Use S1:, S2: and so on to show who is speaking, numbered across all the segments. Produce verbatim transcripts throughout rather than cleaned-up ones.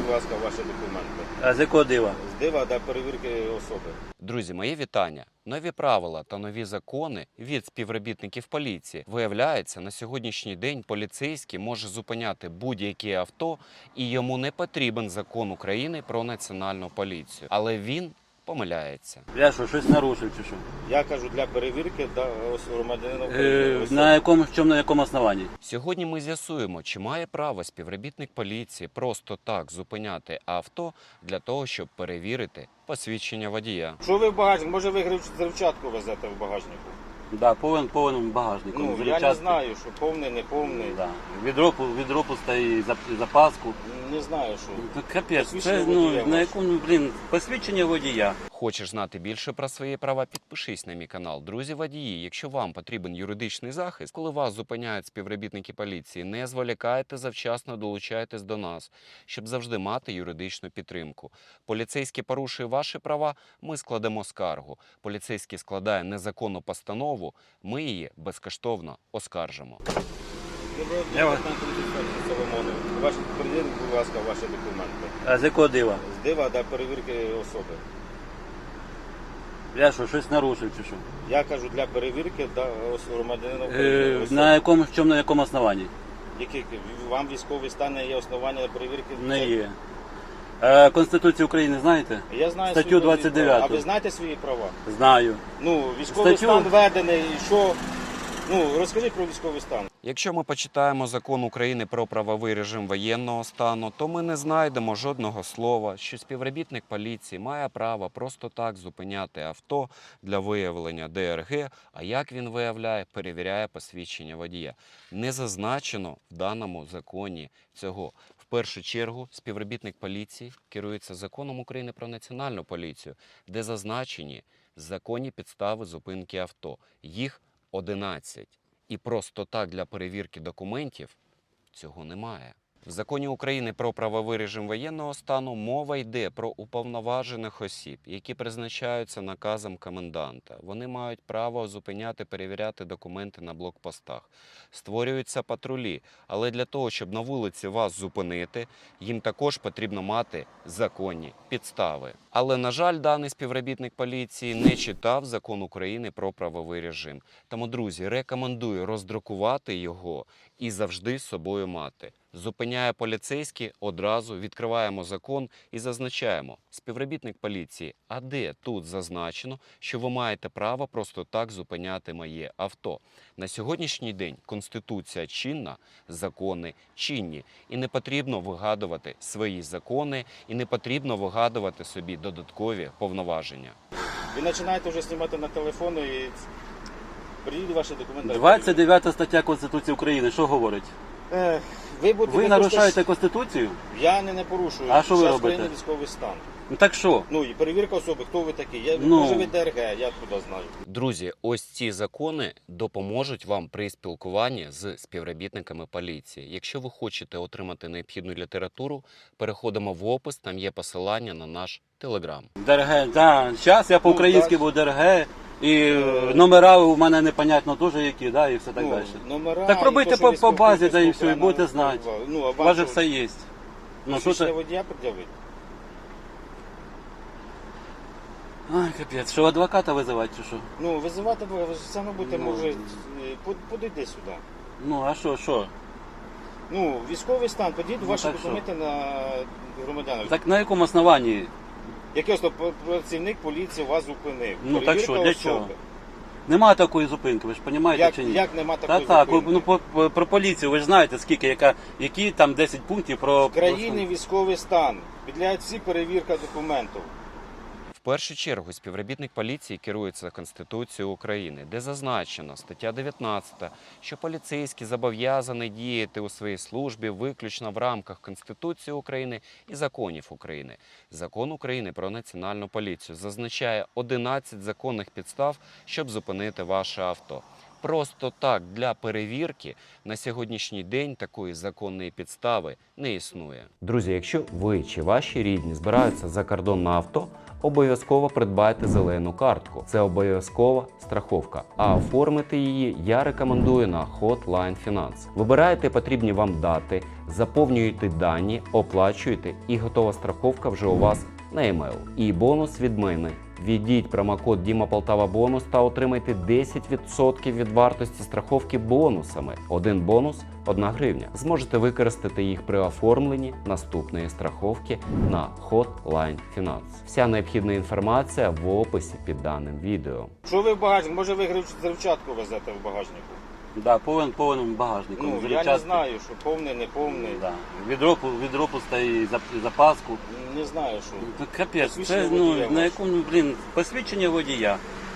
S1: будь ласка, ваші документи.
S2: А з якого дива?
S1: З дива для перевірки особи.
S3: Друзі, мої вітання. Нові правила та нові закони від співробітників поліції. Виявляється, на сьогоднішній день поліцейський може зупиняти будь-яке авто і йому не потрібен закон України про національну поліцію. Але він помиляється.
S2: Я що, щось нарушив чи що?
S1: Я кажу, для перевірки да, ос- громадянина
S2: Е,
S1: України. особи.
S2: на якому, в чому, на якому основанні?
S3: Сьогодні ми з'ясуємо, чи має право співробітник поліції просто так зупиняти авто для того, щоб перевірити посвідчення водія.
S1: Що ви в багажник? Може ви грив- взривчатку везете в багажнику?
S2: Да, повен, повен багажником.
S1: Ну, я
S2: Взривчатки.
S1: не знаю, що повний, не повний.
S2: Да. Відро, відро пустає, зап- запаску.
S1: Не знаю, що.
S2: Ну, Капець,
S1: Посвідчення
S2: це ну,
S1: водія
S2: на
S1: ваше.
S2: якому, блін, посвідчення водія.
S3: Хочеш знати більше про свої права? Підпишись на мій канал. Друзі водії, якщо вам потрібен юридичний захист, коли вас зупиняють співробітники поліції, не зволікайте, завчасно долучайтесь до нас, щоб завжди мати юридичну підтримку. Поліцейський порушує ваші права, ми складемо скаргу. Поліцейський складає незаконну постанову, ми її безкоштовно оскаржимо.
S1: Доброго
S2: Я
S1: дня,
S2: вас-
S1: лейтенант поліції Соломонов. Ваші перевірки, будь ласка, ваші документи.
S2: А з якого дива?
S1: З дива для перевірки особи.
S2: Я що, щось нарушив чи що?
S1: Я кажу, для перевірки да, ос- громадянина
S2: Е,
S1: України. особи.
S2: на якому, в чому, на якому основанні?
S1: Які, вам військовий стан не є основання для перевірки?
S2: Не є. Е, Конституцію України знаєте?
S1: Я знаю
S2: Статтю
S1: свої
S2: двадцять дев'яту.
S1: права. А ви знаєте свої права?
S2: Знаю.
S1: Ну, військовий
S2: Статтю-
S1: стан введений, і що? Ну, розкажіть про військовий стан.
S3: Якщо ми почитаємо закон України про правовий режим воєнного стану, то ми не знайдемо жодного слова, що співробітник поліції має право просто так зупиняти авто для виявлення Д Р Г, а як він виявляє, перевіряє посвідчення водія. Не зазначено в даному законі цього. В першу чергу співробітник поліції керується законом України про національну поліцію, де зазначені законні підстави зупинки авто. Їх одинадцять. І просто так для перевірки документів цього немає. В законі України про правовий режим воєнного стану мова йде про уповноважених осіб, які призначаються наказом коменданта. Вони мають право зупиняти, перевіряти документи на блокпостах. Створюються патрулі, але для того, щоб на вулиці вас зупинити, їм також потрібно мати законні підстави. Але, на жаль, даний співробітник поліції не читав закон України про правовий режим. Тому, друзі, рекомендую роздрукувати його і завжди з собою мати. Зупиняє поліцейський, одразу відкриваємо закон і зазначаємо: співробітник поліції, а де тут зазначено, що ви маєте право просто так зупиняти моє авто? На сьогоднішній день Конституція чинна, закони чинні. І не потрібно вигадувати свої закони, і не потрібно вигадувати собі додаткові повноваження.
S1: Ви починаєте вже знімати на телефон і приїдуть ваші документи.
S2: двадцять дев'ята стаття Конституції України, що говорить?
S1: Ех, ви будете
S2: Ви
S1: ви
S2: нарушаєте
S1: хочете-
S2: Конституцію?
S1: Я не, не порушую.
S2: А що ви
S1: Зараз
S2: робите?
S1: країні військовий стан.
S2: Ну так що?
S1: Ну і перевірка особи, хто ви такі. Я,
S2: Ну.
S1: Може ви Д Р Г, я куди знаю.
S3: Друзі, ось ці закони допоможуть вам при спілкуванні з співробітниками поліції. Якщо ви хочете отримати необхідну літературу, переходимо в опис, там є посилання на наш телеграм.
S2: Д Р Г, да. Зараз я по-українськи
S1: так.
S2: був Д Р Г, і е, номера у мене непонятно теж які, да, і все так
S1: ну,
S2: далі.
S1: Номера,
S2: Так
S1: і
S2: пробуйте
S1: то, що
S2: по-
S1: ви
S2: по базі,
S1: спілкуєтесь
S2: да, і
S1: по
S2: все, і
S1: окремому
S2: будете знати.
S1: права. Ну, а
S2: У вас же
S1: вам
S2: все є. Ну, що
S1: посвідчення
S2: це?
S1: водія пред'явити?
S2: Ай, капець, що адвоката визивати чи що?
S1: Ну, визивати ви ви ж саме будете,
S2: Ну.
S1: може, е, под- подійди сюди.
S2: Ну, а що, що?
S1: Ну, військовий стан, подійдіть
S2: Ну,
S1: ваші
S2: так
S1: документи на громадянина.
S2: Так на якому основанні?
S1: Якийсь то працівник поліції вас зупинив.
S2: Ну, так
S1: Перевірка
S2: що, для
S1: особи.
S2: чого? Нема такої зупинки, ви ж розумієте
S1: Як,
S2: чи ні?
S1: як нема
S2: Та
S1: такої
S2: так,
S1: зупинки?
S2: ну по, по, про поліцію, ви ж знаєте, скільки, яка, які там десять пунктів про...
S1: В країні військовий стан. Підлягають всі перевірка документів.
S3: В першу чергу співробітник поліції керується Конституцією України, де зазначено, стаття дев'ятнадцята, що поліцейський зобов'язаний діяти у своїй службі виключно в рамках Конституції України і законів України. Закон України про національну поліцію зазначає одинадцять законних підстав, щоб зупинити ваше авто. просто так для перевірки, на сьогоднішній день такої законної підстави не існує. Друзі, якщо ви чи ваші рідні збираються за кордон на авто, обов'язково придбайте зелену картку. Це обов'язкова страховка. А оформити її я рекомендую на Hotline Finance. Вибираєте потрібні вам дати, заповнюєте дані, оплачуєте і готова страховка вже у вас на емейл. І бонус від мене. Введіть промокод Діма Полтава Бонус та отримайте десять відсотків від вартості страховки бонусами. Один бонус – одна гривня. Зможете використати їх при оформленні наступної страховки на Hotline Finance. Вся необхідна інформація в описі під даним відео.
S1: Що ви в багажник? Може ви грив- взривчатку везете в багажнику?
S2: Да, повинен, повинен багажник.
S1: Ну, я не знаю, що повний, не повний.
S2: Да. Відро, відро пустає і зап- і запаску.
S1: Не знаю, що.
S2: Ну, капець,
S1: Посвідчення
S2: це ну,
S1: водія
S2: на
S1: ваше.
S2: якому, блін, посвідчення водія.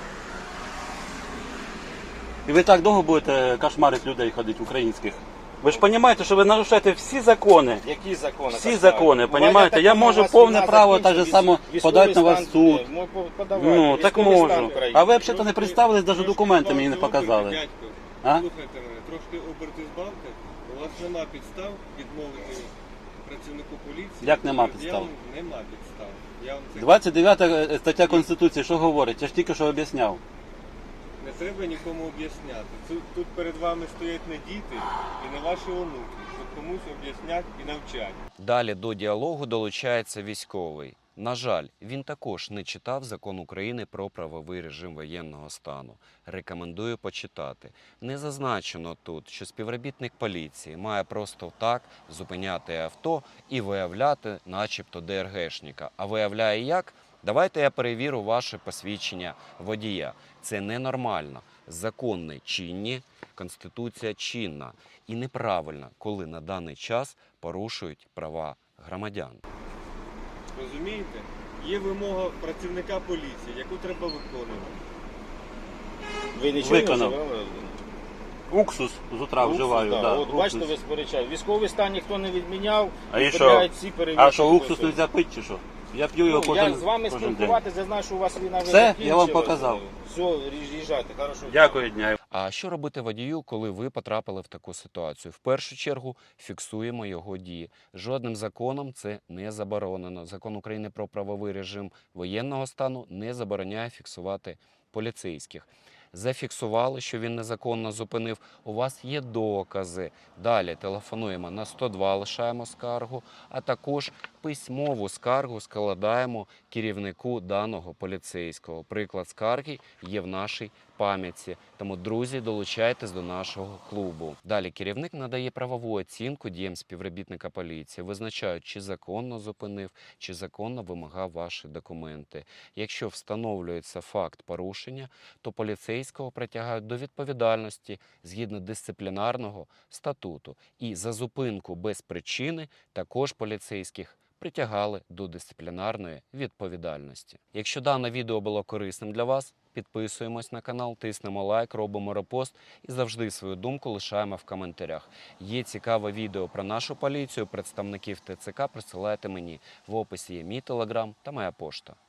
S2: І ви так довго будете кошмарити людей ходити українських? Ви ж розумієте, що ви нарушаєте всі закони.
S1: Які закони?
S2: Всі
S1: так
S2: закони,
S1: знають?
S2: понімаєте?
S1: Буває
S2: Я
S1: так, у
S2: можу
S1: вас
S2: повне
S1: війна
S2: право так же
S1: закінчиться,
S2: само
S1: військовий
S2: подати на вас
S1: стан,
S2: суд.
S1: е, мо- по- подавайте,
S2: Ну, так
S1: військовий стан
S2: можу.
S1: України.
S2: А ви взагалі не представились, навіть документи мені не показали.
S4: Дядько,
S2: А?
S4: слухайте мене, трошки оберти збавте. У вас нема підстав відмовити працівнику поліції.
S2: Як нема
S4: Я
S2: підстав?
S4: вам- Нема підстав. Я вам це
S2: двадцять дев'ята стаття Конституції, що говорить? Я ж тільки що об'ясняв.
S4: не треба нікому об'ясняти. Тут, тут перед вами стоять не діти і не ваші онуки, щоб комусь об'яснять і навчать.
S3: Далі до діалогу долучається військовий. На жаль, він також не читав Закон України про правовий режим воєнного стану. Рекомендую почитати. Не зазначено тут, що співробітник поліції має просто так зупиняти авто і виявляти начебто ДРГшника. А виявляє як? Давайте я перевірю ваше посвідчення водія. Це ненормально. Закони чинні, Конституція чинна. І неправильно, коли на даний час порушують права громадян.
S4: Розумієте? Є вимога працівника поліції, яку треба виконувати.
S1: Ви нічого не
S2: Виконав.
S1: вживали?
S2: Уксус з утра
S1: Уксус,
S2: вживаю.
S1: да.
S2: Да,
S1: От
S2: уксус.
S1: бачите, ви сперечаєте. Військовий стан ніхто не відміняв.
S2: А і що?
S1: відправляють всі перевірки.
S2: А що, уксус
S1: Тобто,
S2: не можна пити чи що? Я п'ю його
S1: ну,
S2: кожен,
S1: я з вами
S2: кожен день.
S1: спілкуватися, я знаю, що у вас війна вже
S2: Все? Я вам
S1: закінчилась.
S2: показав.
S1: Все, їжджайте, хорошо.
S2: Дякую, дня.
S3: А що робити водію, коли ви потрапили в таку ситуацію? В першу чергу фіксуємо його дії. Жодним законом це не заборонено. Закон України про правовий режим воєнного стану не забороняє фіксувати поліцейських. Зафіксували, що він незаконно зупинив. У вас є докази. Далі телефонуємо на сто два, лишаємо скаргу, а також письмову скаргу складаємо керівнику даного поліцейського. Приклад скарги є в нашій пам'ятці. Тому, друзі, долучайтесь до нашого клубу. Далі керівник надає правову оцінку діям співробітника поліції, визначають, чи законно зупинив, чи законно вимагав ваші документи. Якщо встановлюється факт порушення, то поліцейського притягають до відповідальності згідно дисциплінарного статуту. І за зупинку без причини також поліцейських притягали до дисциплінарної відповідальності. Якщо дане відео було корисним для вас, підписуємось на канал, тиснемо лайк, робимо репост і завжди свою думку лишаємо в коментарях. Є цікаве відео про нашу поліцію, представників ТЦК присилайте мені. В описі є мій телеграм та моя пошта.